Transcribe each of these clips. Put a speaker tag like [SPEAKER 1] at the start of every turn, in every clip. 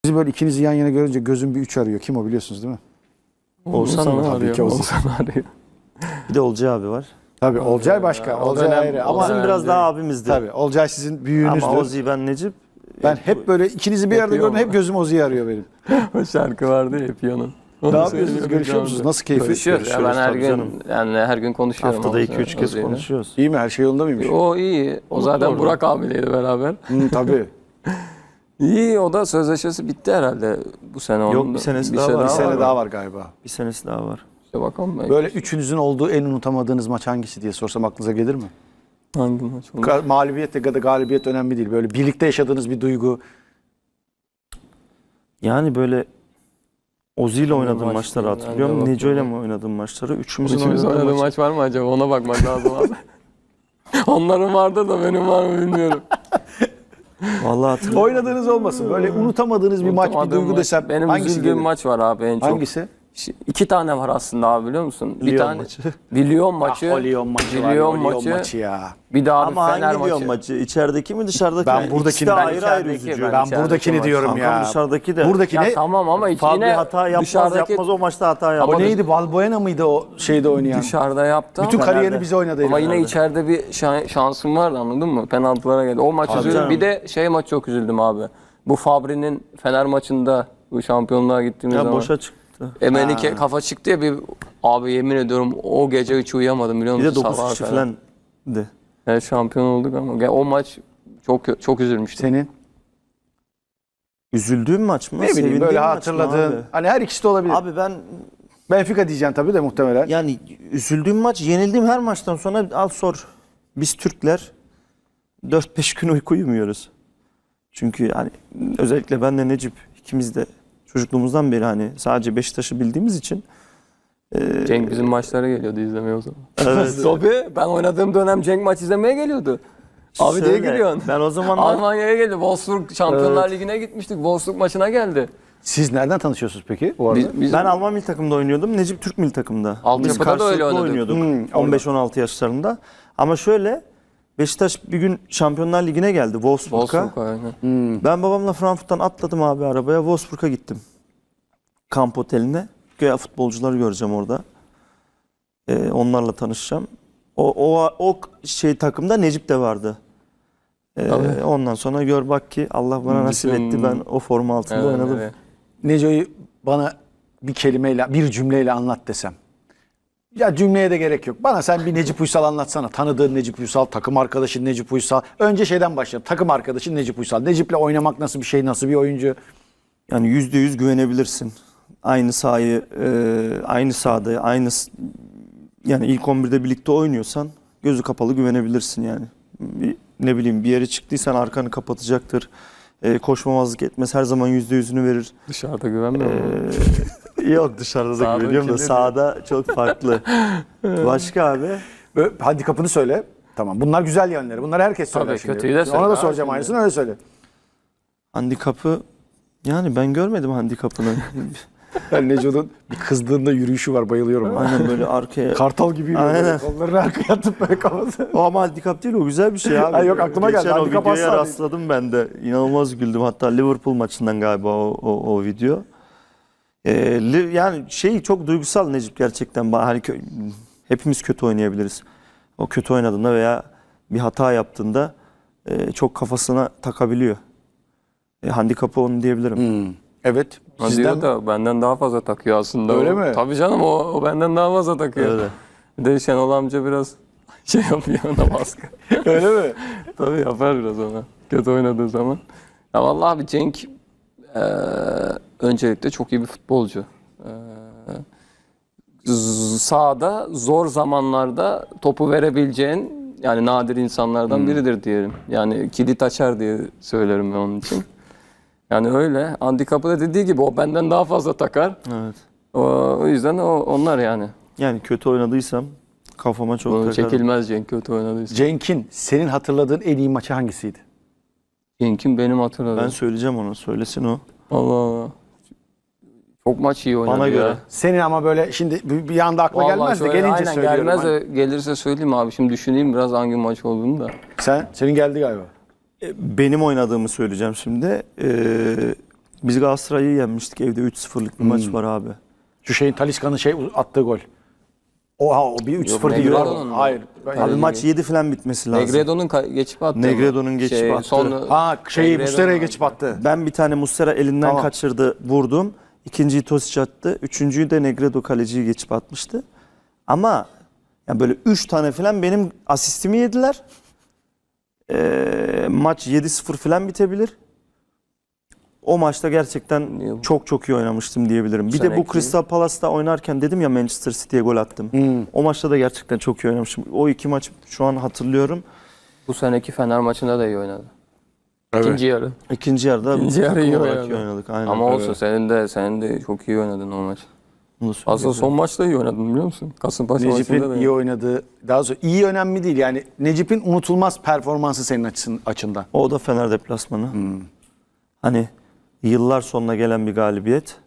[SPEAKER 1] Sizi böyle ikinizi yan yana görünce gözüm bir 3 arıyor. Kim o biliyorsunuz değil mi?
[SPEAKER 2] Oğuzhan mı?
[SPEAKER 1] Tabii ki Oğuzhan.
[SPEAKER 2] Oğuzhan arıyor.
[SPEAKER 3] Bir de Olcay abi var.
[SPEAKER 1] Tabii Olcay başka. Olcay ayrı. Ama
[SPEAKER 3] Bizim biraz daha abimizdi.
[SPEAKER 1] tabii Olcay sizin büyüğünüzdür.
[SPEAKER 3] Ama Ozi ben Necip.
[SPEAKER 1] Ben hep böyle ikinizi bir arada
[SPEAKER 2] Yapıyor
[SPEAKER 1] gördüm. Hep
[SPEAKER 2] ama.
[SPEAKER 1] gözüm Ozi'yi arıyor benim.
[SPEAKER 2] O şarkı vardı ya Piyano.
[SPEAKER 1] Ne yapıyorsunuz? Görüşüyor musunuz? Nasıl keyfi?
[SPEAKER 2] Görüşüyoruz. Ya ben her
[SPEAKER 3] tabii
[SPEAKER 2] gün
[SPEAKER 3] canım.
[SPEAKER 2] yani her gün konuşuyorum.
[SPEAKER 3] Haftada
[SPEAKER 2] Oğuzhan'la,
[SPEAKER 3] 2-3 kez
[SPEAKER 2] Ozi'yle.
[SPEAKER 3] konuşuyoruz.
[SPEAKER 1] İyi mi? Her şey yolunda mıymış?
[SPEAKER 2] O iyi. O zaten
[SPEAKER 3] orada.
[SPEAKER 2] Burak abiyleydi beraber.
[SPEAKER 1] Tabii.
[SPEAKER 2] İyi, o da sözleşmesi bitti herhalde bu sene.
[SPEAKER 3] Yok,
[SPEAKER 2] Onun
[SPEAKER 3] bir
[SPEAKER 2] da-
[SPEAKER 3] senesi daha var.
[SPEAKER 1] Bir
[SPEAKER 3] Aa,
[SPEAKER 1] sene
[SPEAKER 3] var.
[SPEAKER 1] daha var galiba.
[SPEAKER 3] Bir senesi daha var.
[SPEAKER 2] İşte bakalım ben.
[SPEAKER 1] Böyle üçünüzün olduğu en unutamadığınız maç hangisi diye sorsam aklınıza gelir mi?
[SPEAKER 2] Hangi maç oldu?
[SPEAKER 1] Mağlubiyet ya da galibiyet önemli değil. Böyle birlikte yaşadığınız bir duygu.
[SPEAKER 3] Yani böyle Ozi ile oynadığım
[SPEAKER 2] maç
[SPEAKER 3] maçları
[SPEAKER 2] değil,
[SPEAKER 3] hatırlıyorum.
[SPEAKER 2] nerede
[SPEAKER 3] Neco ile
[SPEAKER 2] bakıyorum?
[SPEAKER 3] mi oynadığım maçları? Üçümüzün
[SPEAKER 2] Üçümüz
[SPEAKER 3] oynadığı
[SPEAKER 2] oynadığı
[SPEAKER 3] maç.
[SPEAKER 2] maç var mı acaba? Ona bakmak lazım abi. Onların vardır da benim var mı bilmiyorum.
[SPEAKER 3] Vallahi hatırlıyorum.
[SPEAKER 1] Oynadığınız olmasın. Böyle unutamadığınız bir maç, bir
[SPEAKER 2] Unutamadığım
[SPEAKER 1] duygu
[SPEAKER 2] maç.
[SPEAKER 1] desem
[SPEAKER 2] Benim
[SPEAKER 1] hangisi
[SPEAKER 2] üzüldüğüm
[SPEAKER 1] gelir?
[SPEAKER 2] maç var abi en çok.
[SPEAKER 1] Hangisi?
[SPEAKER 2] İki tane var aslında abi, biliyor musun? Bir
[SPEAKER 3] Lyon
[SPEAKER 2] tane
[SPEAKER 3] maçı.
[SPEAKER 2] bir Lyon maçı.
[SPEAKER 1] O Lyon maçı var.
[SPEAKER 2] Lyon
[SPEAKER 1] O Lyon
[SPEAKER 2] maçı.
[SPEAKER 1] maçı ya.
[SPEAKER 2] Bir daha abi
[SPEAKER 3] Ama
[SPEAKER 2] Fener
[SPEAKER 3] hangi Lyon
[SPEAKER 2] maçı.
[SPEAKER 3] maçı? İçerideki mi dışarıdaki
[SPEAKER 1] Ben
[SPEAKER 3] mi?
[SPEAKER 1] buradakini-
[SPEAKER 3] İkisi de
[SPEAKER 1] ben
[SPEAKER 3] ayrı ayrı
[SPEAKER 2] içerideki,
[SPEAKER 3] üzücü.
[SPEAKER 2] ben
[SPEAKER 1] Ben
[SPEAKER 2] içerideki
[SPEAKER 1] buradakini
[SPEAKER 2] maç.
[SPEAKER 1] diyorum
[SPEAKER 3] Kankam
[SPEAKER 1] ya.
[SPEAKER 3] dışarıdaki de.
[SPEAKER 1] Buradaki
[SPEAKER 2] Ya
[SPEAKER 1] ne?
[SPEAKER 2] tamam ama
[SPEAKER 3] Fabri
[SPEAKER 2] yine
[SPEAKER 3] hata yapmaz
[SPEAKER 2] dışarıdaki
[SPEAKER 3] yapmaz o maçta hata
[SPEAKER 1] O
[SPEAKER 3] yapmaz.
[SPEAKER 1] neydi? Valbuena mıydı o şeyde oynayan?
[SPEAKER 2] dışarıda yaptı
[SPEAKER 1] Bütün
[SPEAKER 2] ama,
[SPEAKER 1] kariyerini
[SPEAKER 3] Fener'de.
[SPEAKER 1] bize oynadı.
[SPEAKER 2] ama
[SPEAKER 1] herif.
[SPEAKER 2] yine içeride bir şansım vardı, anladın mı? Penaltılara geldi. O maç
[SPEAKER 3] Tabii
[SPEAKER 2] üzüldüm.
[SPEAKER 3] canım.
[SPEAKER 2] Bir de şey maç çok üzüldüm abi. Bu Fabri'nin Fener maçında bu şampiyonluğa gittiğimiz
[SPEAKER 3] Ya
[SPEAKER 2] zaman.
[SPEAKER 3] boşa çıktı.
[SPEAKER 2] Emenike kafa çıktı ya bir, abi yemin ediyorum o gece hiç uyuyamadım, biliyor
[SPEAKER 3] Bir
[SPEAKER 2] musun?
[SPEAKER 3] de 9
[SPEAKER 2] Sabaha
[SPEAKER 3] kişi
[SPEAKER 2] kadar.
[SPEAKER 3] falan de.
[SPEAKER 2] Evet, şampiyon olduk ama o maç çok üzülmüştüm.
[SPEAKER 1] Senin
[SPEAKER 3] Üzüldüğüm maç mı?
[SPEAKER 1] ne bileyim
[SPEAKER 3] Sevindiğim
[SPEAKER 1] böyle
[SPEAKER 3] maç mı
[SPEAKER 1] hatırladığın.
[SPEAKER 3] abi?
[SPEAKER 1] Hani her ikisi de olabilir.
[SPEAKER 3] Abi ben
[SPEAKER 1] Benfica diyeceksin tabii de muhtemelen.
[SPEAKER 3] yani üzüldüğüm maç, yenildiğim her maçtan sonra al sor. Biz Türkler 4-5 gün uyku uyumuyoruz. Çünkü yani özellikle ben de Necip ikimiz de çocukluğumuzdan beri hani sadece Beşiktaş'ı bildiğimiz için
[SPEAKER 2] Cenk bizim maçlara geliyordu izlemeye o zaman.
[SPEAKER 3] evet.
[SPEAKER 2] Tabii ben oynadığım dönem Cenk maç izlemeye geliyordu. Abi diye
[SPEAKER 3] Şöyle,
[SPEAKER 2] geliyorsun.
[SPEAKER 3] Ben o zamanlar
[SPEAKER 2] Almanya'ya geldi. Wolfsburg Şampiyonlar Ligi'ne gitmiştik. Wolfsburg maçına geldi.
[SPEAKER 1] Siz nereden tanışıyorsunuz peki bu arada?
[SPEAKER 2] Biz
[SPEAKER 3] ben Alman milli takımda oynuyordum. Necip Türk milli takımda. Biz
[SPEAKER 2] Altyapıda da öyle
[SPEAKER 3] karşılıklı
[SPEAKER 2] oynadık.
[SPEAKER 3] oynuyorduk.
[SPEAKER 1] orada.
[SPEAKER 3] 15-16 yaşlarında. Ama şöyle Beşiktaş bir gün Şampiyonlar Ligi'ne geldi Wolfsburg'a.
[SPEAKER 2] Wolfsburg aynen.
[SPEAKER 3] Ben babamla Frankfurt'tan atladım abi arabaya. Wolfsburg'a gittim. Kamp oteline. Güya futbolcuları göreceğim orada. Onlarla tanışacağım. O şey takımda Necip de vardı.
[SPEAKER 2] Tabii.
[SPEAKER 3] Ondan sonra gör bak ki Allah bana nasip
[SPEAKER 2] Bütün-
[SPEAKER 3] etti. Ben o forma altında oynadım.
[SPEAKER 2] Evet.
[SPEAKER 1] Neco'yu bana bir kelimeyle, bir cümleyle anlat desem. Ya cümleye de gerek yok. Bana sen bir Necip Uysal anlatsana. Tanıdığın Necip Uysal, takım arkadaşın Necip Uysal. Önce şeyden başlayalım. Takım arkadaşın Necip Uysal. Necip'le oynamak nasıl bir şey, nasıl bir oyuncu?
[SPEAKER 3] Yani %100 güvenebilirsin. Aynı sahayı, aynı sahada, yani ilk 11'de birlikte oynuyorsan gözü kapalı güvenebilirsin yani. Ne bileyim bir yere çıktıysan arkanı kapatacaktır. Koşmamazlık etmez. Her zaman %100'ünü verir.
[SPEAKER 2] Dışarıda güvenmiyorum.
[SPEAKER 3] Yok dışarıda da
[SPEAKER 2] Sahada
[SPEAKER 3] güveniyorum da
[SPEAKER 2] kimdir?
[SPEAKER 3] sahada çok farklı. Başka abi?
[SPEAKER 1] Handikapını söyle. Tamam. Bunlar güzel yönleri. Bunları herkes söyler
[SPEAKER 2] Tabii,
[SPEAKER 1] şimdi.
[SPEAKER 2] kötüyü de söyle
[SPEAKER 1] Ona da
[SPEAKER 2] abi
[SPEAKER 1] soracağım
[SPEAKER 2] şimdi.
[SPEAKER 1] aynısını, öyle söyle.
[SPEAKER 3] Handikapı yani ben görmedim handikapını.
[SPEAKER 1] Ben Neco'nun bir kızdığında yürüyüşü var. Bayılıyorum. ona.
[SPEAKER 3] Aynen böyle arkaya.
[SPEAKER 1] Kartal gibi yürüyor.
[SPEAKER 3] Aynen.
[SPEAKER 1] Böyle kollarını arkaya atıp böyle kafası.
[SPEAKER 3] O ama handikap değil, o güzel bir şey abi.
[SPEAKER 1] Ha, yok, aklıma geldi.
[SPEAKER 3] Geçen o
[SPEAKER 1] Handikap
[SPEAKER 3] videoya
[SPEAKER 1] asla
[SPEAKER 3] rastladım ben de. İnanılmaz güldüm. Hatta Liverpool maçından galiba o video. Yani şey çok duygusal Necip gerçekten. Hani hepimiz kötü oynayabiliriz. O kötü oynadığında veya bir hata yaptığında çok kafasına takabiliyor. Handikapı onu diyebilirim.
[SPEAKER 1] Evet.
[SPEAKER 2] Ha,
[SPEAKER 1] Sizden
[SPEAKER 2] diyor da benden daha fazla takıyor aslında.
[SPEAKER 1] Öyle
[SPEAKER 2] o.
[SPEAKER 1] mi?
[SPEAKER 2] Tabii canım, o benden daha fazla takıyor.
[SPEAKER 3] Öyle.
[SPEAKER 2] Bir de Şenol amca biraz şey yapıyor, ona baskı.
[SPEAKER 1] öyle mi?
[SPEAKER 2] Tabii yapar biraz ona. Kötü oynadığı zaman. Ya vallahi abi Cenk öncelikle çok iyi bir futbolcu. Sahada zor zamanlarda topu verebileceğin yani nadir insanlardan biridir diyelim. Yani kilit açar diye söylerim ben onun için. Yani öyle. Handikapı da dediği gibi o benden daha fazla takar.
[SPEAKER 3] Evet.
[SPEAKER 2] O yüzden onlar yani.
[SPEAKER 3] Yani kötü oynadıysam kafama çok
[SPEAKER 2] Onu
[SPEAKER 3] takarım.
[SPEAKER 2] çekilmez Cenk kötü oynadıysa.
[SPEAKER 1] Cenk'in senin hatırladığın en iyi maçı hangisiydi?
[SPEAKER 2] Cenk'in benim hatırladığım.
[SPEAKER 3] Ben söyleyeceğim onu. Söylesin o.
[SPEAKER 2] Allah Allah. Çok maç iyi oynadı
[SPEAKER 3] Bana
[SPEAKER 2] ya.
[SPEAKER 3] göre.
[SPEAKER 1] Senin ama böyle şimdi bir anda akla
[SPEAKER 2] Vallahi
[SPEAKER 1] gelmez de
[SPEAKER 2] şöyle,
[SPEAKER 1] gelince
[SPEAKER 2] aynen
[SPEAKER 1] söylüyorum.
[SPEAKER 2] gelmez
[SPEAKER 1] Hani.
[SPEAKER 2] de gelirse söyleyeyim abi. Şimdi düşüneyim biraz hangi maç olduğunu da.
[SPEAKER 1] Senin geldi galiba.
[SPEAKER 3] Benim oynadığımı söyleyeceğim şimdi. Biz Galatasaray'ı yenmiştik evde 3-0'lık bir maç var abi.
[SPEAKER 1] Şu şeyin Talisca'nın attığı gol. O bir 3-0 değil.
[SPEAKER 2] Negredo'nun mu?
[SPEAKER 1] Hayır.
[SPEAKER 3] Abi maç 7 falan bitmesi lazım.
[SPEAKER 2] Negredo'nun geçip attı.
[SPEAKER 3] Negredo'nun geçip attı.
[SPEAKER 1] Muslera'ya geçip attı.
[SPEAKER 3] Ben bir tane Muslera elinden
[SPEAKER 1] Tamam.
[SPEAKER 3] kaçırdı, vurdum. İkinciyi Tosic attı. Üçüncüyü de Negredo kaleciyi geçip atmıştı. Ama yani böyle 3 tane falan benim asistimi yediler. Maç 7-0 falan bitebilir. O maçta gerçekten çok çok iyi oynamıştım diyebilirim. Bir de bu
[SPEAKER 2] Seneki-
[SPEAKER 3] Crystal Palace'ta oynarken dedim ya Manchester City'ye gol attım. O maçta da gerçekten çok iyi oynamıştım. O iki maç şu an hatırlıyorum.
[SPEAKER 2] Bu seneki Fener maçında da iyi oynadı. İkinci yarı.
[SPEAKER 3] İkinci yarıda
[SPEAKER 2] İkinci yarı
[SPEAKER 3] takım
[SPEAKER 2] iyi
[SPEAKER 3] olarak
[SPEAKER 2] oynadı.
[SPEAKER 3] iyi oynadık. Aynen.
[SPEAKER 2] Ama olsun senin de çok iyi oynadın o maç.
[SPEAKER 3] Bunu
[SPEAKER 2] Aslında
[SPEAKER 3] söyleyeceğim.
[SPEAKER 2] son maçta iyi oynadın biliyor musun? Kasımpaşa maçında
[SPEAKER 1] Necip'in
[SPEAKER 2] da
[SPEAKER 1] iyi oynadığı, daha sonra iyi önemli değil. Yani Necip'in unutulmaz performansı senin açından.
[SPEAKER 3] O da Fener deplasmanı. Hani yıllar sonuna gelen bir galibiyet.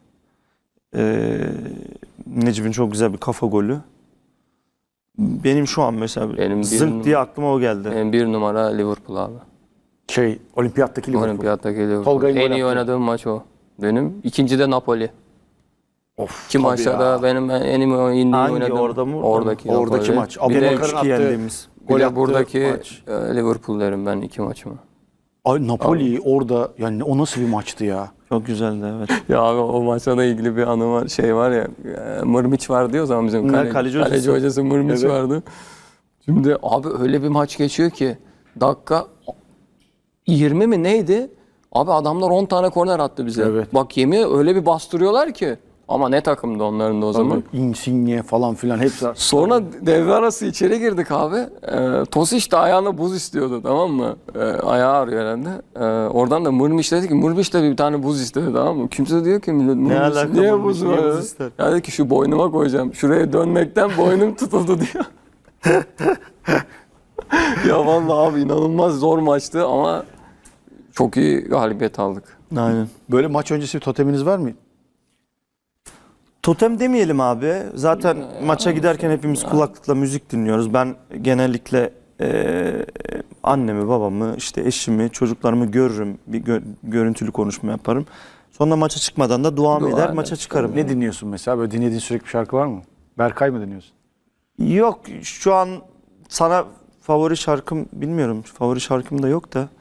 [SPEAKER 3] Necip'in çok güzel bir kafa golü. Benim şu an mesela
[SPEAKER 2] Benim bir
[SPEAKER 3] zınk diye aklıma o geldi.
[SPEAKER 2] Benim bir numara Liverpool abi.
[SPEAKER 1] Olimpiyattaki Liverpool.
[SPEAKER 2] Olimpiyattaki Liverpool.
[SPEAKER 1] Tolga'nın
[SPEAKER 2] En
[SPEAKER 1] gol
[SPEAKER 2] iyi
[SPEAKER 1] attığı.
[SPEAKER 2] oynadığım maç o. Benim. İkinci de Napoli.
[SPEAKER 1] Of,
[SPEAKER 2] İki
[SPEAKER 1] tabii
[SPEAKER 2] maçta
[SPEAKER 1] ya.
[SPEAKER 2] da benim en iyi
[SPEAKER 3] Hangi,
[SPEAKER 2] oynadığım.
[SPEAKER 3] orada mı?
[SPEAKER 2] Oradaki
[SPEAKER 1] Oradaki
[SPEAKER 2] Napoli.
[SPEAKER 1] maç.
[SPEAKER 2] Bir
[SPEAKER 1] Abu
[SPEAKER 2] de,
[SPEAKER 1] Bakar'ın
[SPEAKER 3] 3-2
[SPEAKER 1] attığı
[SPEAKER 3] yendiğimiz.
[SPEAKER 1] gol
[SPEAKER 2] bir de
[SPEAKER 1] attığı
[SPEAKER 2] buradaki
[SPEAKER 1] maç.
[SPEAKER 2] Liverpool derim ben iki maçıma.
[SPEAKER 1] Ay, Napoli orada yani o nasıl bir maçtı ya?
[SPEAKER 3] Çok güzeldi evet.
[SPEAKER 2] Ya abi o maçla da ilgili bir anı var. Şey var ya Mırmiç vardı ya o zaman bizim kaleci hocası Mırmiç
[SPEAKER 1] Evet.
[SPEAKER 2] vardı. Şimdi abi öyle bir maç geçiyor ki dakika 20 mi neydi? Abi adamlar 10 tane korner attı bize.
[SPEAKER 1] Evet.
[SPEAKER 2] Bak yemin öyle bir bastırıyorlar ki. Ama ne takımdı onların da o zaman.
[SPEAKER 1] Insigne falan filan hepsi.
[SPEAKER 2] Sonra devre arası içeri girdik abi. Tosic de ayağına buz istiyordu tamam mı? Ayağı ağrıyor herhalde. Oradan da Mırmiş dedi ki Mırmiş de bir tane buz istedi tamam mı? Kimse diyor ki millet Mırmiş
[SPEAKER 3] alaka
[SPEAKER 2] niye
[SPEAKER 3] Mırmiş,
[SPEAKER 2] buz
[SPEAKER 3] niye
[SPEAKER 2] var?
[SPEAKER 3] buz ister?
[SPEAKER 2] Ya dedi ki şu boynuma koyacağım. Şuraya dönmekten boynum tutuldu diyor. Ya vallahi abi inanılmaz zor maçtı ama çok iyi galibiyet aldık.
[SPEAKER 3] Aynen.
[SPEAKER 1] Böyle maç öncesi bir toteminiz var mı?
[SPEAKER 3] Totem demeyelim abi. Zaten maça giderken hepimiz kulaklıkla müzik dinliyoruz. Ben genellikle annemi, babamı, işte eşimi, çocuklarımı görürüm. Bir görüntülü konuşma yaparım. Sonra maça çıkmadan da duamı
[SPEAKER 2] Dua
[SPEAKER 3] eder,
[SPEAKER 2] eder.
[SPEAKER 3] maça çıkarım.
[SPEAKER 1] Ne dinliyorsun mesela? Böyle dinlediğin sürekli bir şarkı var mı? Berkay mı dinliyorsun?
[SPEAKER 3] Yok şu an sana favori şarkım bilmiyorum. Favori şarkım da yok da.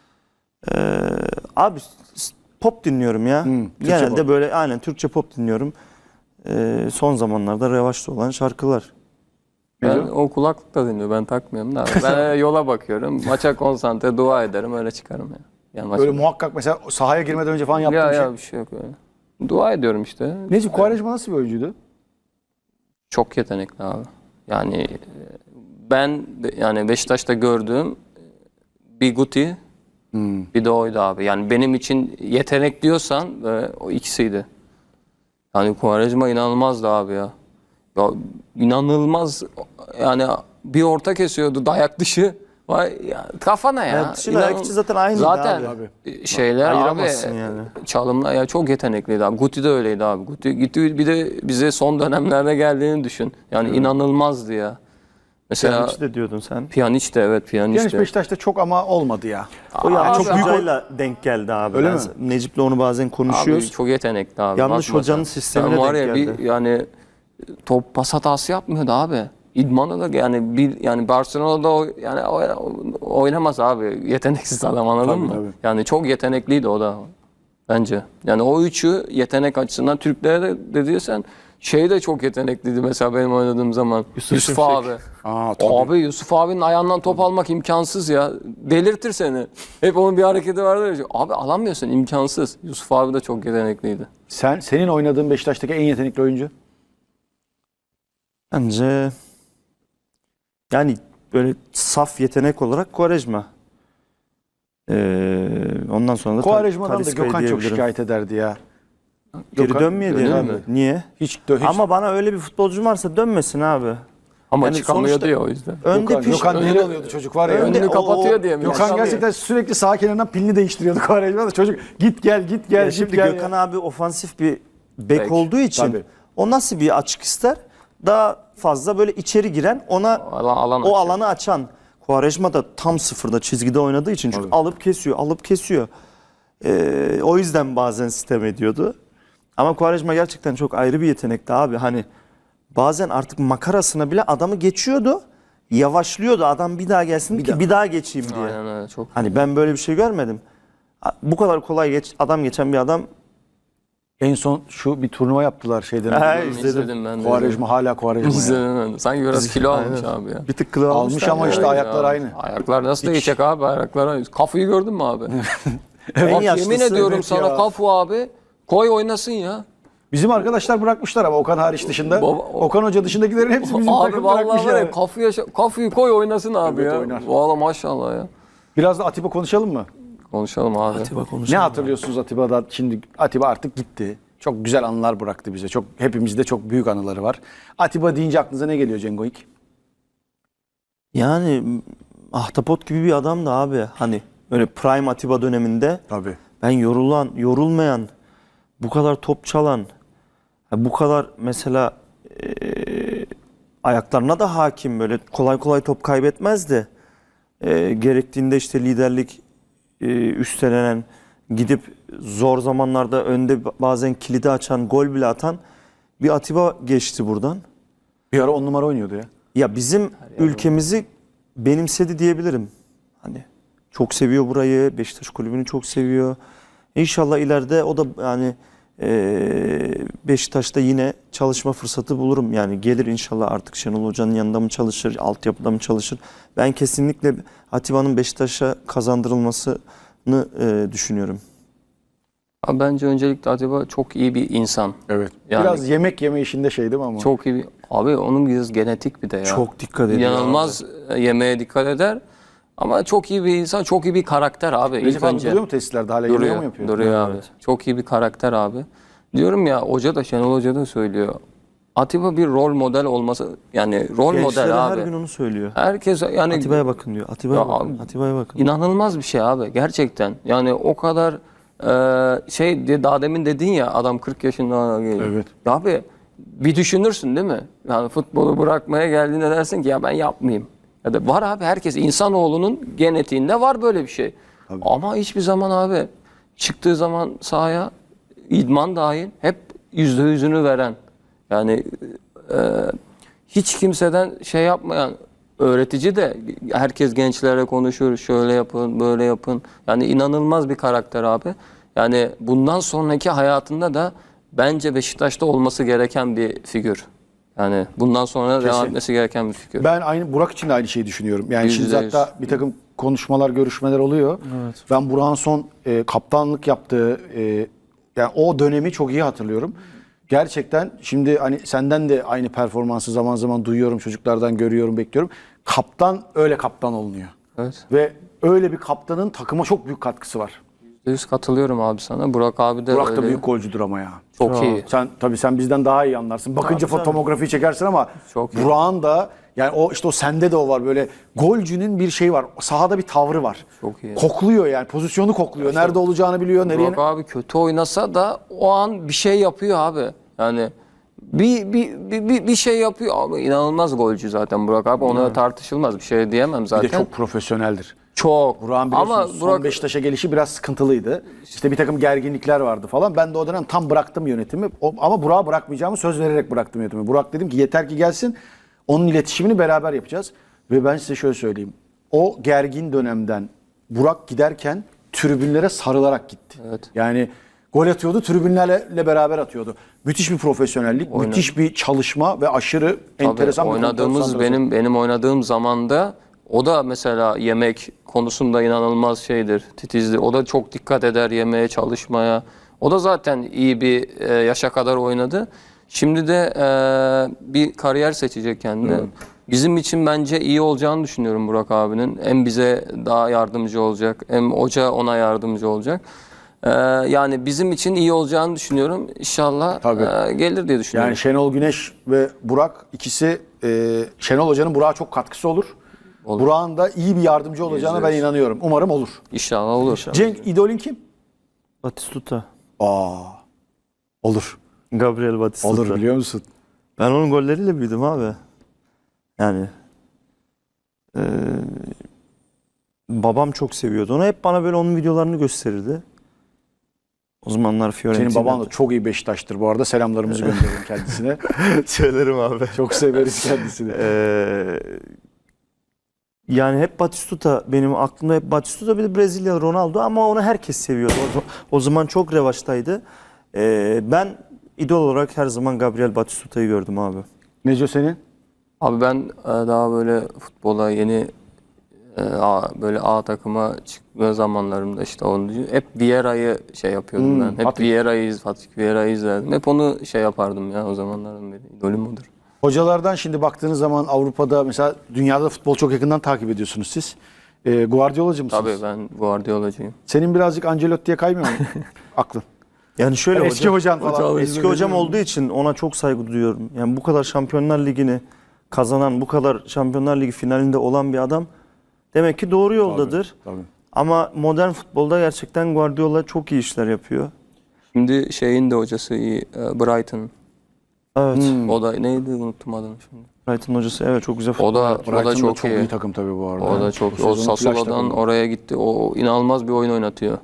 [SPEAKER 3] Abi pop dinliyorum ya.
[SPEAKER 1] Türkçe
[SPEAKER 3] Genelde
[SPEAKER 1] pop.
[SPEAKER 3] böyle aynen Türkçe pop dinliyorum. Son zamanlarda revaçta olan şarkılar.
[SPEAKER 2] Ben o kulaklıkla dinliyor. Ben takmıyorum da. Ben yola bakıyorum. Maça konsantre dua ederim öyle çıkarım ya. Yani maça-
[SPEAKER 1] Böyle muhakkak mesela sahaya girmeden önce falan yaptığın şey.
[SPEAKER 2] ya bir şey yok öyle. Dua ediyorum işte.
[SPEAKER 1] Necip Quaresma nasıl bir oyuncuydu?
[SPEAKER 2] Çok yetenekli abi. Yani ben yani Beşiktaş'ta gördüğüm bir Guti bir de oydu abi. Yani benim için yetenek diyorsan o ikisiydi. Yani Quaresma inanılmazdı abi ya. Ya inanılmaz yani bir orta kesiyordu dayak dışı. Vay ya, kafana ya.
[SPEAKER 3] Dayak dışı, dayak içi zaten aynıydı
[SPEAKER 2] Zaten
[SPEAKER 3] abi.
[SPEAKER 2] şeyler abi
[SPEAKER 3] Ayıramazsın yani.
[SPEAKER 2] çalımlar ya çok yetenekliydi abi. Guti de öyleydi abi. Guti bir de bize son dönemlerde geldiğini düşün. Yani inanılmazdı ya. Mesela
[SPEAKER 3] Pjanic de diyordun sen.
[SPEAKER 2] Pjanic de evet Pjanic
[SPEAKER 1] Genç
[SPEAKER 2] de.
[SPEAKER 1] Beşiktaş'ta çok ama olmadı ya.
[SPEAKER 3] O ya
[SPEAKER 2] Abi,
[SPEAKER 3] çok büyük hocayla denk geldi abi.
[SPEAKER 1] Öyle
[SPEAKER 3] Ben
[SPEAKER 1] mi?
[SPEAKER 3] Necip'le onu bazen konuşuyoruz.
[SPEAKER 2] Abi çok yetenekli abi.
[SPEAKER 3] Yanlış
[SPEAKER 2] Bakma
[SPEAKER 3] hocanın
[SPEAKER 2] sen.
[SPEAKER 3] sistemine
[SPEAKER 2] Sen var
[SPEAKER 3] denk
[SPEAKER 2] ya
[SPEAKER 3] geldi.
[SPEAKER 2] yani top pas hatası yapmıyordu abi. İdmanı da yani Barcelona'da oynamaz abi. Yeteneksiz adam anladın
[SPEAKER 1] Tabii,
[SPEAKER 2] mı?
[SPEAKER 1] tabii.
[SPEAKER 2] Yani çok yetenekliydi o da bence. Yani o üçü yetenek açısından Türklere de dediysen şey de çok yetenekliydi mesela benim oynadığım zaman. Yusuf
[SPEAKER 3] Şimşek.
[SPEAKER 2] abi.
[SPEAKER 1] Tabii.
[SPEAKER 2] Abi Yusuf abinin ayağından top almak imkansız ya. Delirtir seni. Hep onun bir hareketi vardır ya. Abi alamıyorsun imkansız. Yusuf abi de çok yetenekliydi.
[SPEAKER 1] Senin oynadığın Beşiktaş'taki en yetenekli oyuncu?
[SPEAKER 3] Bence yani böyle saf yetenek olarak Quaresma. Ondan sonra da
[SPEAKER 1] Quaresma'dan da
[SPEAKER 3] Talisca'yı
[SPEAKER 1] Gökhan çok
[SPEAKER 3] diyebilirim.
[SPEAKER 1] şikayet ederdi ya.
[SPEAKER 3] Geri
[SPEAKER 1] Gökhan-
[SPEAKER 3] dönmeye diye
[SPEAKER 2] Dönüyor
[SPEAKER 3] abi.
[SPEAKER 2] mu?
[SPEAKER 3] Niye?
[SPEAKER 1] Hiç
[SPEAKER 3] Ama bana öyle bir futbolcu varsa dönmesin abi.
[SPEAKER 2] Ama
[SPEAKER 3] Yani
[SPEAKER 2] çıkamıyordu
[SPEAKER 3] sonuçta-
[SPEAKER 2] ya o yüzden.
[SPEAKER 3] Önde
[SPEAKER 1] Gökhan deli oluyordu çocuk var ya.
[SPEAKER 2] Önünü kapatıyor diye mi?
[SPEAKER 1] Gökhan gerçekten sürekli sağ kenarından pilini değiştiriyordu Quaresma da çocuk git gel git gel.
[SPEAKER 3] Yani
[SPEAKER 1] git
[SPEAKER 3] şimdi
[SPEAKER 1] gel
[SPEAKER 3] Gökhan
[SPEAKER 1] ya.
[SPEAKER 3] abi ofansif bir bek
[SPEAKER 2] Bek,
[SPEAKER 3] olduğu için
[SPEAKER 1] tabii.
[SPEAKER 3] o nasıl bir açık ister? Daha fazla böyle içeri giren ona
[SPEAKER 2] Alan
[SPEAKER 3] o
[SPEAKER 2] açıyor.
[SPEAKER 3] alanı açan. Quaresma da tam sıfırda çizgide oynadığı için çünkü alıp kesiyor. O yüzden bazen sitem ediyordu. Ama Quaresma gerçekten çok ayrı bir yetenekti abi. Hani bazen artık makarasına bile adamı geçiyordu. Yavaşlıyordu adam bir daha gelsin bir daha geçeyim diye.
[SPEAKER 2] Aynen öyle, çok.
[SPEAKER 3] Hani ben böyle bir şey görmedim. Bu kadar kolay adam geçen bir adam.
[SPEAKER 1] En son şu bir turnuva yaptılar şeyden.
[SPEAKER 3] Ha,
[SPEAKER 1] önce.
[SPEAKER 2] İzledim ben de.
[SPEAKER 1] Quaresma hala Quaresma. ya.
[SPEAKER 2] İzledim ben de. Sanki biraz kilo almış abi ya.
[SPEAKER 3] Bir tık kilo
[SPEAKER 1] Almış
[SPEAKER 3] almışlar
[SPEAKER 1] ama
[SPEAKER 3] ya.
[SPEAKER 1] işte ayaklar
[SPEAKER 2] Ya,
[SPEAKER 1] aynı.
[SPEAKER 2] Ayaklar nasıl değişecek abi? Ayaklar aynı. Kafayı gördün mü abi?
[SPEAKER 3] En
[SPEAKER 2] Bak,
[SPEAKER 3] yaşlısı,
[SPEAKER 2] yemin ediyorum
[SPEAKER 1] evet
[SPEAKER 2] sana
[SPEAKER 1] ya.
[SPEAKER 2] Kafu abi koy oynasın ya.
[SPEAKER 1] Bizim arkadaşlar bırakmışlar ama Okan hariç dışında.
[SPEAKER 2] Baba-
[SPEAKER 1] Okan Hoca dışındakilerin hepsi bizim
[SPEAKER 2] Abi
[SPEAKER 1] takım bırakmış
[SPEAKER 2] vallahi var ya
[SPEAKER 1] yani.
[SPEAKER 2] Kafu'yu koy oynasın abi
[SPEAKER 1] Evet,
[SPEAKER 2] ya.
[SPEAKER 1] oynar.
[SPEAKER 2] Vallahi maşallah ya.
[SPEAKER 1] Biraz da Atiba konuşalım mı?
[SPEAKER 2] Konuşalım abi.
[SPEAKER 1] Ne hatırlıyorsunuz Atiba'dan? Şimdi Atiba artık gitti. Çok güzel anılar bıraktı bize. Çok hepimizde çok büyük anıları var. Atiba deyince aklınıza ne geliyor Cengo ilk?
[SPEAKER 3] Yani ahtapot gibi bir adamdı abi. Hani öyle prime Atiba döneminde
[SPEAKER 1] Tabii.
[SPEAKER 3] ben yorulmayan, bu kadar top çalan, bu kadar mesela ayaklarına da hakim, böyle kolay kolay top kaybetmezdi. Gerektiğinde işte liderlik üstlenen, gidip zor zamanlarda önde bazen kilidi açan, gol bile atan bir Atiba geçti buradan.
[SPEAKER 1] Bir ara 10 numara oynuyordu ya.
[SPEAKER 3] Ya bizim ülkemizi benimsedi diyebilirim. Hani çok seviyor burayı, Beşiktaş kulübünü çok seviyor. İnşallah ileride o da yani Beşiktaş'ta yine çalışma fırsatı bulurum. Yani gelir inşallah, artık Şenol Hoca'nın yanında mı çalışır, altyapıda mı çalışır? Ben kesinlikle Atiba'nın Beşiktaş'a kazandırılmasını düşünüyorum.
[SPEAKER 2] Abi bence öncelikle Atiba çok iyi bir insan.
[SPEAKER 1] Evet.
[SPEAKER 2] Yani-
[SPEAKER 1] Biraz yemek yeme işinde şey değil mi ama?
[SPEAKER 2] Çok iyi bir... Abi onun biraz genetik bir de ya.
[SPEAKER 3] Çok dikkat ediyor.
[SPEAKER 2] İnanılmaz yemeğe dikkat eder. Ama çok iyi bir insan, çok iyi bir karakter abi.
[SPEAKER 1] Recep
[SPEAKER 2] İlk
[SPEAKER 1] abi
[SPEAKER 2] önce
[SPEAKER 1] duruyor mu tesislerde hala yemeği mi yapıyor?
[SPEAKER 2] duruyor abi.
[SPEAKER 3] Evet.
[SPEAKER 2] Çok iyi bir karakter abi. Diyorum ya, hoca da, Şenol Hoca da söylüyor. Atiba bir rol model olması, yani rol
[SPEAKER 3] Gençlere
[SPEAKER 2] model
[SPEAKER 3] her
[SPEAKER 2] abi.
[SPEAKER 3] gün onu söylüyor.
[SPEAKER 2] Herkes yani
[SPEAKER 3] Atiba'ya bakın diyor. Atiba'ya
[SPEAKER 2] Ya
[SPEAKER 3] bakın.
[SPEAKER 2] abi,
[SPEAKER 3] Atiba'ya bakın.
[SPEAKER 2] İnanılmaz bir şey abi gerçekten. Yani o kadar şey diye, daha demin dedin ya, adam 40 yaşında geliyor.
[SPEAKER 1] Evet.
[SPEAKER 2] Ya abi bir düşünürsün değil mi? Yani futbolu bırakmaya geldiğinde dersin ki ya ben yapmayayım. Ya da var abi, herkes, insanoğlunun genetiğinde var böyle bir şey. Ama hiçbir zaman abi çıktığı zaman sahaya, idman dahil, hep %100'ünü veren. Yani hiç kimseden şey yapmayan, öğretici de, herkes gençlere konuşur, şöyle yapın, böyle yapın. Yani inanılmaz bir karakter abi. Yani bundan sonraki hayatında da bence Beşiktaş'ta olması gereken bir figür. Yani bundan sonra devam
[SPEAKER 1] Kesin.
[SPEAKER 2] etmesi gereken bir figür.
[SPEAKER 1] Ben aynı Burak için de aynı şeyi düşünüyorum. Yani şimdi
[SPEAKER 2] %100.
[SPEAKER 1] hatta bir takım konuşmalar, görüşmeler oluyor.
[SPEAKER 3] Evet.
[SPEAKER 1] Ben Burak'ın son kaptanlık yaptığı yani o dönemi çok iyi hatırlıyorum. Gerçekten şimdi hani senden de aynı performansı zaman zaman duyuyorum, çocuklardan görüyorum, bekliyorum. Kaptan öyle kaptan olunuyor.
[SPEAKER 2] Evet.
[SPEAKER 1] Ve öyle bir kaptanın takıma çok büyük katkısı var.
[SPEAKER 2] %100 katılıyorum abi sana. Burak abi de
[SPEAKER 1] Burak
[SPEAKER 2] öyle.
[SPEAKER 1] da büyük golcüdür ama ya.
[SPEAKER 2] Çok iyi.
[SPEAKER 1] Sen bizden daha iyi anlarsın. Bakınca
[SPEAKER 3] Tabii,
[SPEAKER 1] fotoğrafiyi çekersin ama
[SPEAKER 2] Çok iyi.
[SPEAKER 1] Burak'ın da yani o işte o sende de o var, böyle golcünün bir şey var. Sahada bir tavrı var.
[SPEAKER 2] Çok iyi.
[SPEAKER 1] Kokluyor yani, pozisyonu kokluyor. Nerede olacağını biliyor, nereye.
[SPEAKER 2] Burak abi kötü oynasa da o an bir şey yapıyor abi. Yani bir şey yapıyor abi. İnanılmaz golcü zaten Burak abi. Ona tartışılmaz, bir şey diyemem
[SPEAKER 1] Bir
[SPEAKER 2] zaten.
[SPEAKER 1] de çok profesyoneldir.
[SPEAKER 2] Çok.
[SPEAKER 1] Burak'ın
[SPEAKER 2] Ama
[SPEAKER 1] biliyorsunuz son Beşiktaş'a gelişi biraz sıkıntılıydı. İşte bir takım gerginlikler vardı falan. Ben de o dönem tam bıraktım yönetimi. Ama Burak'a bırakmayacağımı söz vererek bıraktım yönetimi. Burak dedim ki yeter ki gelsin. Onun iletişimini beraber yapacağız. Ve ben size şöyle söyleyeyim. O gergin dönemden Burak giderken tribünlere sarılarak gitti.
[SPEAKER 2] Evet.
[SPEAKER 1] Yani gol atıyordu, tribünlerle beraber atıyordu. Müthiş bir profesyonellik, müthiş bir çalışma ve aşırı enteresan bir
[SPEAKER 2] oynadığımız,
[SPEAKER 1] konsantrasyon.
[SPEAKER 2] benim oynadığım zamanda o da mesela yemek konusunda inanılmaz şeydir, titizdir. O da çok dikkat eder yemeğe, çalışmaya. O da zaten iyi bir yaşa kadar oynadı. Şimdi de bir kariyer seçecek kendine. Bizim için bence iyi olacağını düşünüyorum Burak abinin. Hem bize daha yardımcı olacak, hem hoca ona yardımcı olacak. Yani bizim için iyi olacağını düşünüyorum. İnşallah gelir diye düşünüyorum.
[SPEAKER 1] Yani Şenol Güneş ve Burak ikisi Şenol Hoca'nın Burak'a çok katkısı olur. Burak'ın da iyi bir yardımcı olacağına ben inanıyorum. Umarım olur.
[SPEAKER 2] İnşallah olur.
[SPEAKER 1] Cenk, idolün kim?
[SPEAKER 3] Batistuta.
[SPEAKER 1] Olur.
[SPEAKER 3] Gabriel Batistuta.
[SPEAKER 1] Olur biliyor musun?
[SPEAKER 3] Ben onun golleriyle büyüdüm abi. Yani babam çok seviyordu onu. Hep bana böyle onun videolarını gösterirdi. O zamanlar Fiorentina.
[SPEAKER 1] Senin baban da çok iyi Beşiktaş'tır bu arada. Selamlarımızı gönderelim kendisine.
[SPEAKER 3] Söylerim abi.
[SPEAKER 1] Çok severiz kendisini.
[SPEAKER 3] Yani hep Batistuta benim aklımda, hep Batistuta, bir de Brezilyalı Ronaldo, ama onu herkes seviyordu. O zaman çok revaçtaydı. Ben idol olarak her zaman Gabriel Batistuta'yı gördüm abi.
[SPEAKER 1] Neco senin?
[SPEAKER 2] Abi ben daha böyle futbola yeni böyle A takıma çıkma zamanlarımda işte onu hep Vieira'yı şey yapıyordum ben. Hep Fatih Vieira'yı izlerdim. Hep onu şey yapardım ya, o zamanlardan beri. İdolüm odur.
[SPEAKER 1] Hocalardan şimdi baktığınız zaman Avrupa'da mesela dünyada futbol çok yakından takip ediyorsunuz siz. Guardiolacı mısınız?
[SPEAKER 2] Tabii ben Guardiolacıyım.
[SPEAKER 1] Senin birazcık Ancelotti'ye kaymıyor mu aklın?
[SPEAKER 3] Yani şöyle,
[SPEAKER 1] Eski hocan falan.
[SPEAKER 3] eski hocam olduğu için ona çok saygı duyuyorum. Yani bu kadar Şampiyonlar Ligi'ni kazanan, bu kadar Şampiyonlar Ligi finalinde olan bir adam demek ki doğru yoldadır.
[SPEAKER 1] Tabii.
[SPEAKER 3] Ama modern futbolda gerçekten Guardiola çok iyi işler yapıyor.
[SPEAKER 2] Şimdi şeyin de hocası iyi, Brighton.
[SPEAKER 3] Evet.
[SPEAKER 2] O da neydi, unuttum adını şimdi.
[SPEAKER 3] Brighton hocası, evet, çok güzel
[SPEAKER 2] O da
[SPEAKER 1] Brighton
[SPEAKER 2] çok
[SPEAKER 1] çok
[SPEAKER 2] iyi.
[SPEAKER 1] iyi takım tabii bu arada.
[SPEAKER 2] O da çok.
[SPEAKER 1] Bu
[SPEAKER 2] O
[SPEAKER 1] sezonun flash
[SPEAKER 2] Sassuolo'dan
[SPEAKER 1] takımı.
[SPEAKER 2] oraya gitti. O inanılmaz bir oyun oynatıyor.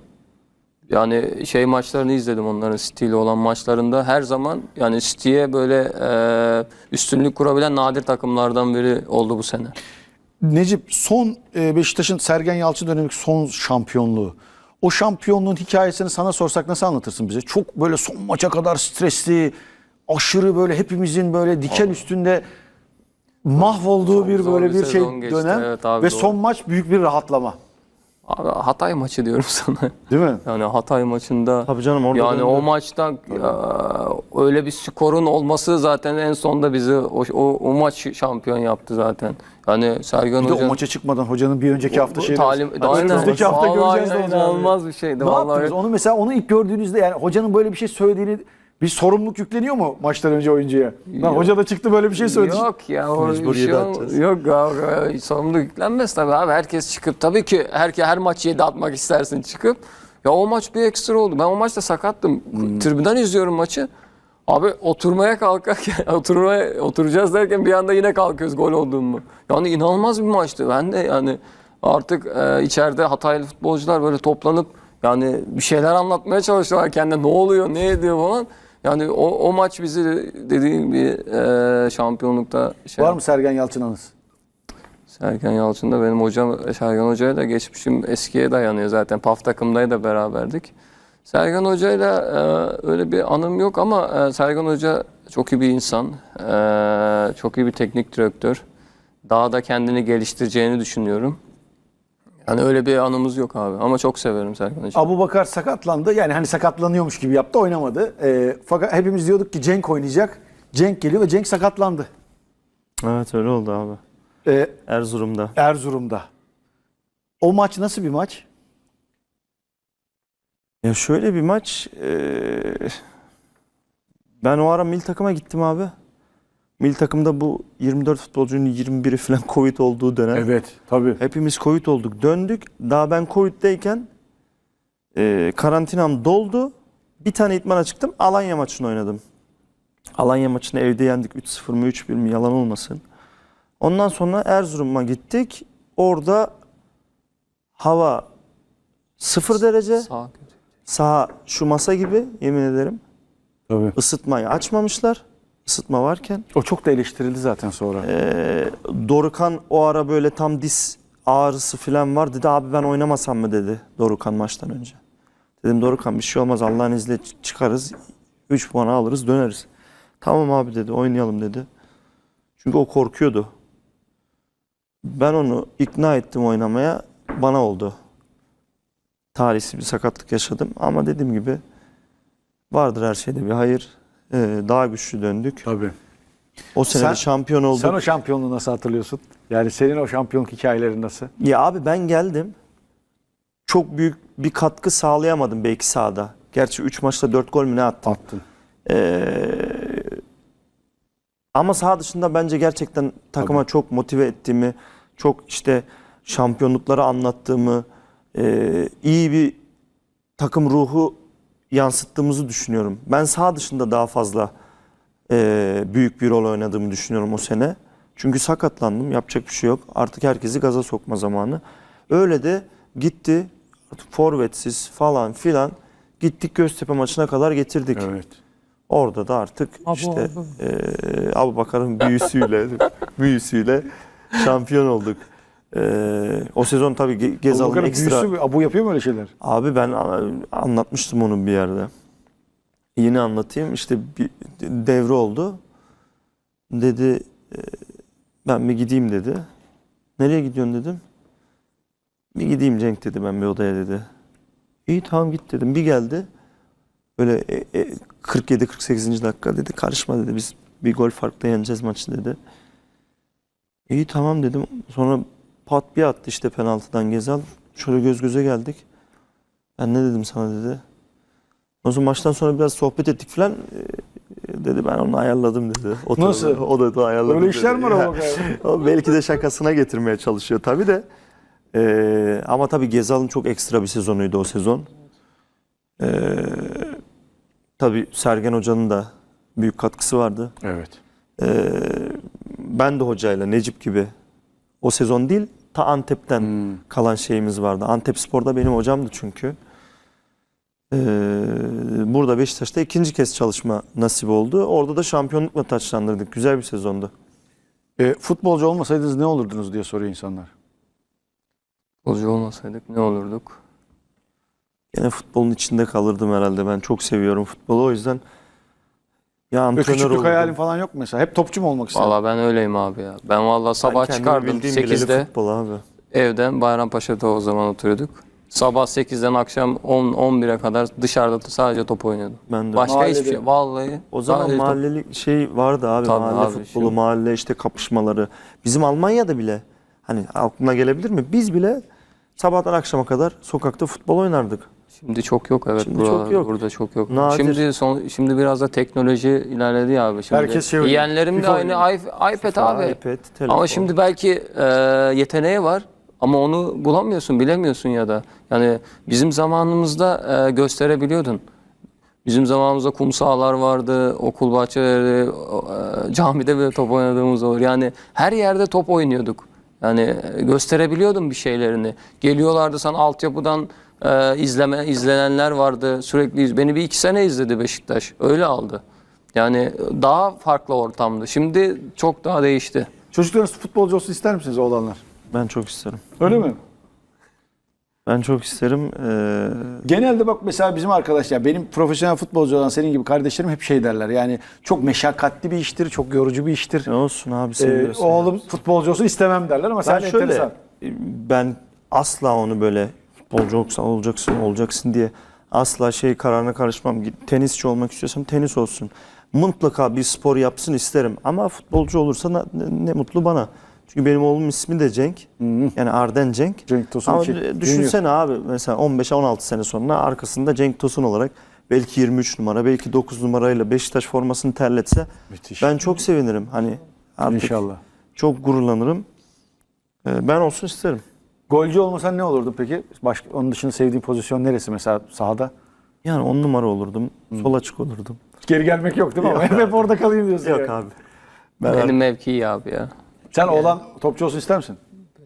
[SPEAKER 2] Yani şey maçlarını izledim, onların City ile olan maçlarında. Her zaman yani City'ye böyle üstünlük kurabilen nadir takımlardan biri oldu bu sene.
[SPEAKER 1] Necip, son Beşiktaş'ın Sergen Yalçın dönemindeki son şampiyonluğu. O şampiyonluğun hikayesini sana sorsak nasıl anlatırsın bize? Çok böyle son maça kadar stresli, aşırı böyle hepimizin böyle diken üstünde mahvolduğu
[SPEAKER 2] Çok
[SPEAKER 1] bir
[SPEAKER 2] zor
[SPEAKER 1] böyle
[SPEAKER 2] bir
[SPEAKER 1] bir şey
[SPEAKER 2] sezon geçti.
[SPEAKER 1] dönem
[SPEAKER 2] Evet abi,
[SPEAKER 1] ve
[SPEAKER 2] doğru.
[SPEAKER 1] son maç büyük bir rahatlama.
[SPEAKER 2] Abi Hatay maçı diyorum sana.
[SPEAKER 1] Değil mi?
[SPEAKER 2] Yani Hatay maçında
[SPEAKER 3] Tabii canım, orada
[SPEAKER 2] yani
[SPEAKER 3] döndü.
[SPEAKER 2] o maçta öyle bir skorun olması zaten en sonda bizi o maç şampiyon yaptı zaten. Yani Sergen
[SPEAKER 1] Bir de
[SPEAKER 2] Hoca
[SPEAKER 1] o maça çıkmadan hocanın bir önceki hafta şeyi.
[SPEAKER 2] önümüzdeki
[SPEAKER 1] hafta göreceğiz ne olacağını.
[SPEAKER 2] inanılmaz bir şeydi.
[SPEAKER 1] Ne
[SPEAKER 2] Vallahi
[SPEAKER 1] yaptınız? Onu mesela onu ilk gördüğünüzde yani hocanın böyle bir şey söylediğini, bir sorumluluk yükleniyor mu maçtan önce oyuncuya? Lan hoca da çıktı böyle bir şey söyledi.
[SPEAKER 2] Yok ya, o
[SPEAKER 3] Mecbur
[SPEAKER 2] şey
[SPEAKER 3] yedi atacağız.
[SPEAKER 2] yok abi, sorumluluk yüklenmez tabii abi. Herkes çıkıp, tabii ki her maç 7 atmak istersin çıkıp. Ya o maç bir ekstra oldu. Ben o maçta sakattım. Tribünden izliyorum maçı. Abi oturmaya kalkarken oturacağız derken bir anda yine kalkıyoruz gol olduğumu. Yani inanılmaz bir maçtı. Ben de yani artık içeride Hataylı futbolcular böyle toplanıp yani bir şeyler anlatmaya çalışıyorlar kendine, ne oluyor, ne ediyor falan. Yani o maç bizi dediğim gibi şampiyonlukta şey.
[SPEAKER 1] Var mı Sergen Yalçın anısı?
[SPEAKER 2] Sergen Yalçın da benim hocam. Sergen Hoca'ya da geçmişim eskiye dayanıyor zaten. PAF takımdayı da beraberdik. Sergen Hoca'yla öyle bir anım yok ama Sergen Hoca çok iyi bir insan. Çok iyi bir teknik direktör. Daha da kendini geliştireceğini düşünüyorum. Yani öyle bir anımız yok abi. Ama çok severim Sergen Hoca'yı.
[SPEAKER 1] Abubakar sakatlandı. Yani hani sakatlanıyormuş gibi yaptı, oynamadı. Fakat hepimiz diyorduk ki Cenk oynayacak. Cenk geliyor ve Cenk sakatlandı.
[SPEAKER 3] Evet, öyle oldu abi. Erzurum'da.
[SPEAKER 1] Erzurum'da. O maç nasıl bir maç?
[SPEAKER 3] Ya şöyle bir maç, ben o ara milli takıma gittim abi. Milli takımda bu 24 futbolcunun 21'i falan Covid olduğu dönem.
[SPEAKER 1] Evet, tabii.
[SPEAKER 3] Hepimiz Covid olduk. Döndük. Daha ben Covid'deyken karantinam doldu. Bir tane idmana çıktım. Alanya maçını oynadım. Alanya maçını evde yendik. 3-0 mı 3-1 mi, yalan olmasın. Ondan sonra Erzurum'a gittik. Orada hava 0 derece.
[SPEAKER 2] Sağ kötü.
[SPEAKER 3] Saha şu masa gibi, yemin ederim.
[SPEAKER 1] Tabii.
[SPEAKER 3] Isıtmayı açmamışlar. Isıtma varken.
[SPEAKER 1] O çok da eleştirildi zaten sonra.
[SPEAKER 3] Dorukan o ara böyle tam diz ağrısı falan var. Dedi abi ben oynamasam mı dedi Dorukan maçtan önce. Dedim Dorukan bir şey olmaz, Allah'ın izniyle çıkarız. 3 puan alırız, döneriz. Tamam abi dedi, oynayalım dedi. Çünkü o korkuyordu. Ben onu ikna ettim oynamaya. Bana oldu. Talihsiz bir sakatlık yaşadım. Ama dediğim gibi vardır her şeyde bir hayır. Daha güçlü döndük.
[SPEAKER 1] Tabii.
[SPEAKER 3] O sene de şampiyon olduk.
[SPEAKER 1] Sen o şampiyonluğu nasıl hatırlıyorsun? Yani senin o şampiyonluk hikayelerin nasıl?
[SPEAKER 3] Ya abi ben geldim. Çok büyük bir katkı sağlayamadım belki sahada. Gerçi 3 maçta 4 gol mü ne attım.
[SPEAKER 1] Attın.
[SPEAKER 3] Ama saha dışında bence gerçekten takıma çok motive ettiğimi, çok işte şampiyonlukları anlattığımı, iyi bir takım ruhu yansıttığımızı düşünüyorum. Ben saha dışında daha fazla büyük bir rol oynadığımı düşünüyorum o sene. Çünkü sakatlandım, yapacak bir şey yok. Artık herkesi gaza sokma zamanı. Öyle de gitti, artık forvetsiz falan filan Gittik Göztepe maçına kadar getirdik.
[SPEAKER 1] Evet.
[SPEAKER 3] Orada da artık işte Abubakar'ın büyüsüyle şampiyon olduk. O sezon tabii Gezal'ın
[SPEAKER 1] Abubakar'ın
[SPEAKER 3] ekstra...
[SPEAKER 1] büyüsü, Abu yapıyor mu öyle şeyler?
[SPEAKER 3] Abi ben anlatmıştım onu bir yerde. Yine anlatayım. İşte bir devre oldu. Dedi ben bir gideyim dedi. Nereye gidiyorsun dedim. Bir gideyim Cenk dedi, ben bir odaya dedi. İyi tamam git dedim. Bir geldi. Böyle 47-48. dakika dedi. Karışma dedi. Biz bir gol farkla yeneceğiz maçı dedi. İyi tamam dedim. Sonra pat bir attı işte penaltıdan Gezal. Şöyle göz göze geldik. Ben ne dedim sana dedi. O zaman maçtan sonra biraz sohbet ettik falan. Dedi ben onu ayarladım dedi.
[SPEAKER 1] Nasıl?
[SPEAKER 3] O da ayarladım
[SPEAKER 1] Öyle
[SPEAKER 3] dedi.
[SPEAKER 1] işler mi var
[SPEAKER 3] Ya,
[SPEAKER 1] Abubakar?
[SPEAKER 3] o belki de şakasına getirmeye çalışıyor tabii de. Ama tabii Gezal'ın çok ekstra bir sezonuydu o sezon. Tabii Sergen Hoca'nın da büyük katkısı vardı.
[SPEAKER 1] Evet.
[SPEAKER 3] Ben de hocayla Necip gibi o sezon değil ta Antep'ten kalan şeyimiz vardı. Antepspor'da benim hocamdı çünkü. Burada Beşiktaş'ta ikinci kez çalışma nasip oldu. Orada da şampiyonlukla taçlandırdık. Güzel bir sezondu.
[SPEAKER 1] Futbolcu olmasaydınız ne olurdunuz diye soruyor insanlar.
[SPEAKER 2] Futbolcu olmasaydık ne olurduk?
[SPEAKER 3] Yine futbolun içinde kalırdım herhalde. Ben çok seviyorum futbolu. O yüzden ya antrenör
[SPEAKER 1] Küçüklük
[SPEAKER 3] olurdum.
[SPEAKER 1] hayalin falan yok mu mesela? Hep topçu mu olmak istedin?
[SPEAKER 2] Valla ben öyleyim abi ya. Ben valla sabah
[SPEAKER 3] Ben kendimi
[SPEAKER 2] çıkardım
[SPEAKER 3] bildiğim bileli
[SPEAKER 2] 8'de
[SPEAKER 3] futbol abi.
[SPEAKER 2] evden, Bayrampaşa'da o zaman oturuyorduk. Sabah 8'den akşam 10-11'e kadar dışarıda sadece top oynuyordum.
[SPEAKER 3] Ben de.
[SPEAKER 2] Başka
[SPEAKER 1] Mahallede.
[SPEAKER 2] hiçbir şey. Vallahi.
[SPEAKER 3] O zaman
[SPEAKER 2] sadece top.
[SPEAKER 3] mahallelik şey vardı abi.
[SPEAKER 2] Tabii
[SPEAKER 3] Mahalle
[SPEAKER 2] abi,
[SPEAKER 3] futbolu,
[SPEAKER 2] şimdi-
[SPEAKER 3] mahalle işte kapışmaları. Bizim Almanya'da bile hani aklına gelebilir mi? Biz bile sabahtan akşama kadar sokakta futbol oynardık.
[SPEAKER 2] Şimdi çok yok, evet,
[SPEAKER 3] Şimdi
[SPEAKER 2] buralar,
[SPEAKER 3] çok yok.
[SPEAKER 2] burada çok yok.
[SPEAKER 3] Nadir.
[SPEAKER 2] Şimdi biraz da teknoloji ilerledi ya abi. Şimdi
[SPEAKER 1] Herkes şey oynuyor.
[SPEAKER 2] yeğenlerim de
[SPEAKER 1] FIFA
[SPEAKER 2] aynı iPad abi.
[SPEAKER 3] iPad, telefon.
[SPEAKER 2] Ama şimdi belki yeteneği var ama onu bulamıyorsun, bilemiyorsun ya da. Yani bizim zamanımızda gösterebiliyordun. Bizim zamanımızda kum sahalar vardı, okul bahçeleri, camide bile top oynadığımız olur. Yani her yerde top oynuyorduk. Yani gösterebiliyordun bir şeylerini. Geliyorlardı sana altyapıdan izlenenler vardı. Sürekli beni bir 2 sene izledi Beşiktaş. Öyle aldı. Yani daha farklı ortamdı. Şimdi çok daha değişti.
[SPEAKER 1] Çocuklarınız futbolcu olsun ister misiniz oğlanlar?
[SPEAKER 3] Ben çok isterim.
[SPEAKER 1] Öyle mi?
[SPEAKER 3] Ben çok isterim.
[SPEAKER 1] Genelde bak mesela bizim arkadaşlar, benim profesyonel futbolcu olan senin gibi kardeşlerim hep şey derler. Yani çok meşakkatli bir iştir, çok yorucu bir iştir.
[SPEAKER 3] Ne olsun abi, seviyorsun.
[SPEAKER 1] Oğlum futbolcu olsun istemem derler ama sen
[SPEAKER 3] Ben şöyle,
[SPEAKER 1] enteresan.
[SPEAKER 3] ben asla onu böyle futbolcu olacaksın diye asla şey kararına karışmam. Tenisçi olmak istiyorsam tenis olsun. Mutlaka bir spor yapsın isterim. Ama futbolcu olursa ne mutlu bana. Çünkü benim oğlumun ismi de Cenk. Yani Arden Cenk.
[SPEAKER 1] Cenk Tosun
[SPEAKER 3] Ama
[SPEAKER 1] iki.
[SPEAKER 3] düşünsene abi, mesela 15-16 sene sonra arkasında Cenk Tosun olarak belki 23 numara, belki 9 numarayla Beşiktaş formasını terletse
[SPEAKER 1] Müthiş.
[SPEAKER 3] ben çok sevinirim. Hani artık
[SPEAKER 1] İnşallah.
[SPEAKER 3] çok gururlanırım. Ben olsun isterim.
[SPEAKER 1] Golcü olmasan ne olurdu peki? Onun dışında sevdiğin pozisyon neresi mesela sahada?
[SPEAKER 3] Yani 10 numara olurdum. Sol açık olurdum.
[SPEAKER 1] Geri gelmek yok değil mi? Ama hep orada kalayım diyorsun.
[SPEAKER 3] Yok
[SPEAKER 1] yani.
[SPEAKER 3] abi.
[SPEAKER 2] Benim mevki iyi abi ya.
[SPEAKER 1] Sen oğlan topçu olsun ister misin?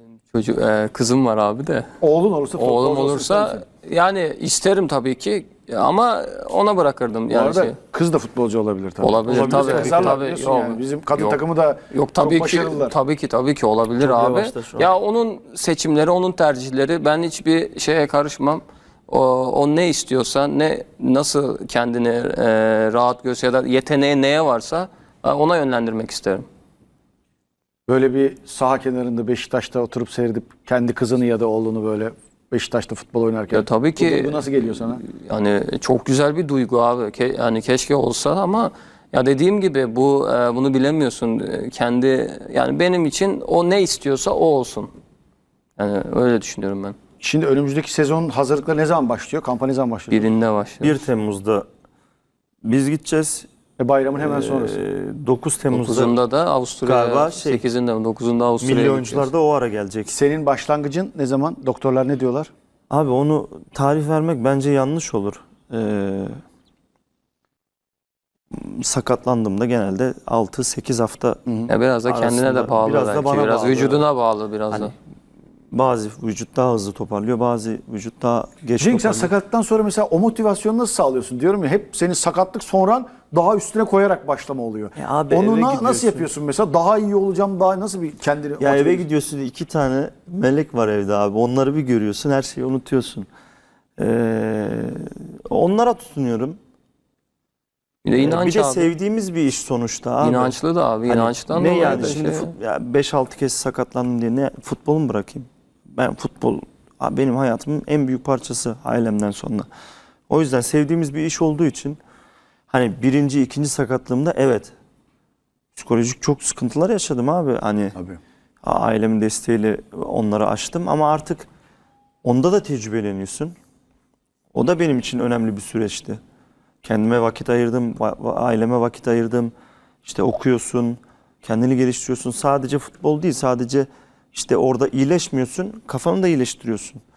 [SPEAKER 2] Kızım var abi de.
[SPEAKER 1] Oğlun olursa topçu
[SPEAKER 2] Oğlum
[SPEAKER 1] olsun ister
[SPEAKER 2] olursa
[SPEAKER 1] misin?
[SPEAKER 2] yani isterim tabii ki ama ona bırakırdım
[SPEAKER 1] Bu
[SPEAKER 2] yani
[SPEAKER 1] arada
[SPEAKER 2] şey.
[SPEAKER 1] kız da futbolcu olabilir tabii.
[SPEAKER 2] Olabilir tabii.
[SPEAKER 1] Yazarlar
[SPEAKER 2] Tabii,
[SPEAKER 1] biliyorsun
[SPEAKER 2] yok.
[SPEAKER 1] yani. Bizim kadın
[SPEAKER 2] Yok.
[SPEAKER 1] takımı da
[SPEAKER 2] Yok
[SPEAKER 1] çok
[SPEAKER 2] tabii ki
[SPEAKER 1] başarılılar.
[SPEAKER 2] tabii ki olabilir
[SPEAKER 3] Çok
[SPEAKER 2] abi.
[SPEAKER 3] yavaşta şu an.
[SPEAKER 2] Ya onun seçimleri, onun tercihleri, ben hiçbir şeye karışmam. O ne istiyorsa, nasıl kendini rahat görse ya da yeteneği neye varsa ona yönlendirmek isterim.
[SPEAKER 1] Böyle bir saha kenarında Beşiktaş'ta oturup seyredip kendi kızını ya da oğlunu böyle Beşiktaş'ta futbol oynarken.
[SPEAKER 2] Ya tabii ki.
[SPEAKER 1] Bu nasıl geliyor sana?
[SPEAKER 2] Yani çok güzel bir duygu abi. Yani keşke olsa ama ya dediğim gibi bunu bilemiyorsun. Yani benim için o ne istiyorsa o olsun. Yani öyle düşünüyorum ben.
[SPEAKER 1] Şimdi önümüzdeki sezon hazırlıkları ne zaman başlıyor? Kampanya ne zaman başlıyor?
[SPEAKER 2] Birinde başlıyor.
[SPEAKER 3] 1 Temmuz'da biz gideceğiz.
[SPEAKER 1] Bayramın hemen sonrası.
[SPEAKER 3] 9 Temmuz'da
[SPEAKER 2] 9'unda da Avusturya,
[SPEAKER 3] Galiba
[SPEAKER 2] 8'inde mi? 9'unda Avusturya'ya
[SPEAKER 3] milli oyuncular
[SPEAKER 2] gideceğiz.
[SPEAKER 3] da o ara gelecek.
[SPEAKER 1] Senin başlangıcın ne zaman? Doktorlar ne diyorlar?
[SPEAKER 3] Abi onu tarih vermek bence yanlış olur. Sakatlandığımda genelde 6-8 hafta
[SPEAKER 2] Ya biraz da kendine de
[SPEAKER 3] arasında,
[SPEAKER 2] bağlı
[SPEAKER 3] biraz da
[SPEAKER 2] belki.
[SPEAKER 3] bana
[SPEAKER 2] Biraz
[SPEAKER 3] bağlı.
[SPEAKER 2] vücuduna bağlı biraz
[SPEAKER 3] Hani
[SPEAKER 2] da.
[SPEAKER 3] Bazı vücut daha hızlı toparlıyor, bazı vücut daha geç
[SPEAKER 1] Cenk, sen
[SPEAKER 3] toparlıyor.
[SPEAKER 1] sakatlıktan sonra mesela o motivasyonu nasıl sağlıyorsun diyorum ya, hep senin sakatlık sonran daha üstüne koyarak başlama oluyor.
[SPEAKER 3] Abi
[SPEAKER 1] Onu
[SPEAKER 3] eve
[SPEAKER 1] nasıl
[SPEAKER 3] gidiyorsun.
[SPEAKER 1] yapıyorsun mesela, daha iyi olacağım, daha nasıl bir kendini
[SPEAKER 3] Ya
[SPEAKER 1] motive
[SPEAKER 3] eve
[SPEAKER 1] ediyorsun?
[SPEAKER 3] gidiyorsun, 2 tane melek var evde abi. Onları bir görüyorsun, her şeyi unutuyorsun. Onlara tutunuyorum.
[SPEAKER 2] Bir de inanç
[SPEAKER 3] Bir de
[SPEAKER 2] abi.
[SPEAKER 3] sevdiğimiz bir iş sonuçta abi.
[SPEAKER 2] İnançlı da abi.
[SPEAKER 3] Hani
[SPEAKER 2] İnançtan
[SPEAKER 3] ne
[SPEAKER 2] dolayı
[SPEAKER 3] yani
[SPEAKER 2] da
[SPEAKER 3] şimdi
[SPEAKER 2] şey-
[SPEAKER 3] 5-6 kez sakatlandım diye ne futbolu mu bırakayım? Ben futbol abi benim hayatımın en büyük parçası ailemden sonra. O yüzden sevdiğimiz bir iş olduğu için hani birinci, ikinci sakatlığımda evet psikolojik çok sıkıntılar yaşadım abi. Hani
[SPEAKER 1] Tabii.
[SPEAKER 3] ailemin desteğiyle onları aştım ama artık onda da tecrübeleniyorsun. O da benim için önemli bir süreçti. Kendime vakit ayırdım, aileme vakit ayırdım. İşte okuyorsun, kendini geliştiriyorsun. Sadece futbol değil, sadece işte orada iyileşmiyorsun, kafanı da iyileştiriyorsun.